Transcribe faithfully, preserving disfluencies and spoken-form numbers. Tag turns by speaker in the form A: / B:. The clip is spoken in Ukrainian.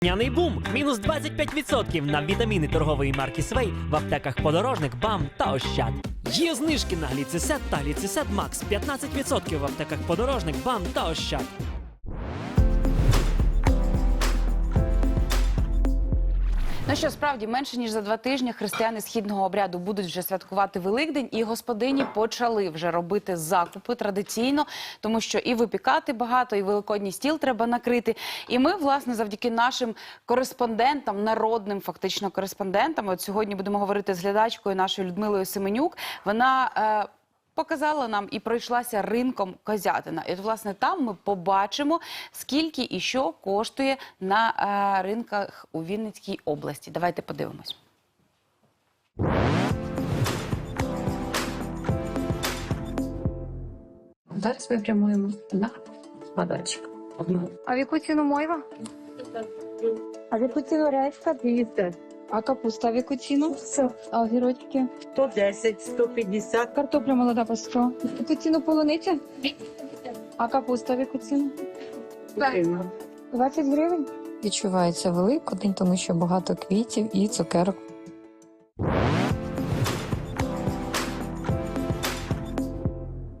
A: Няний бум! Мінус двадцять п'ять відсотків на вітаміни торгової марки Свей в аптеках Подорожник, БАМ та Ощад. Є знижки на гліцисет та гліцисет Макс п'ятнадцять відсотків в аптеках Подорожник, БАМ та Ощад.
B: Ну що, справді, менше ніж за два тижні християни східного обряду будуть вже святкувати Великдень, і господині почали вже робити закупи традиційно, тому що і випікати багато, і великодній стіл треба накрити. І ми, власне, завдяки нашим кореспондентам, народним фактично кореспондентам, от сьогодні будемо говорити з глядачкою нашою Людмилою Семенюк, вона е, показала нам і пройшлася ринком Козятина. І от, власне, там ми побачимо, скільки і що коштує на е, ринках у Вінницькій області. Давайте подивимось.
C: Зараз ми прямуємо на складочок.
D: А в яку ціну мойва? А в яку ціну рейська?
C: двісті.
D: А капуста в яку ціну? А огірочки?
E: сто десять, сто п'ятдесят.
D: Картопля молода по сто. В яку ціну полуниця? А капуста в яку ціну? двадцять гривень.
F: Відчувається Великодень, тому що багато квітів і цукерок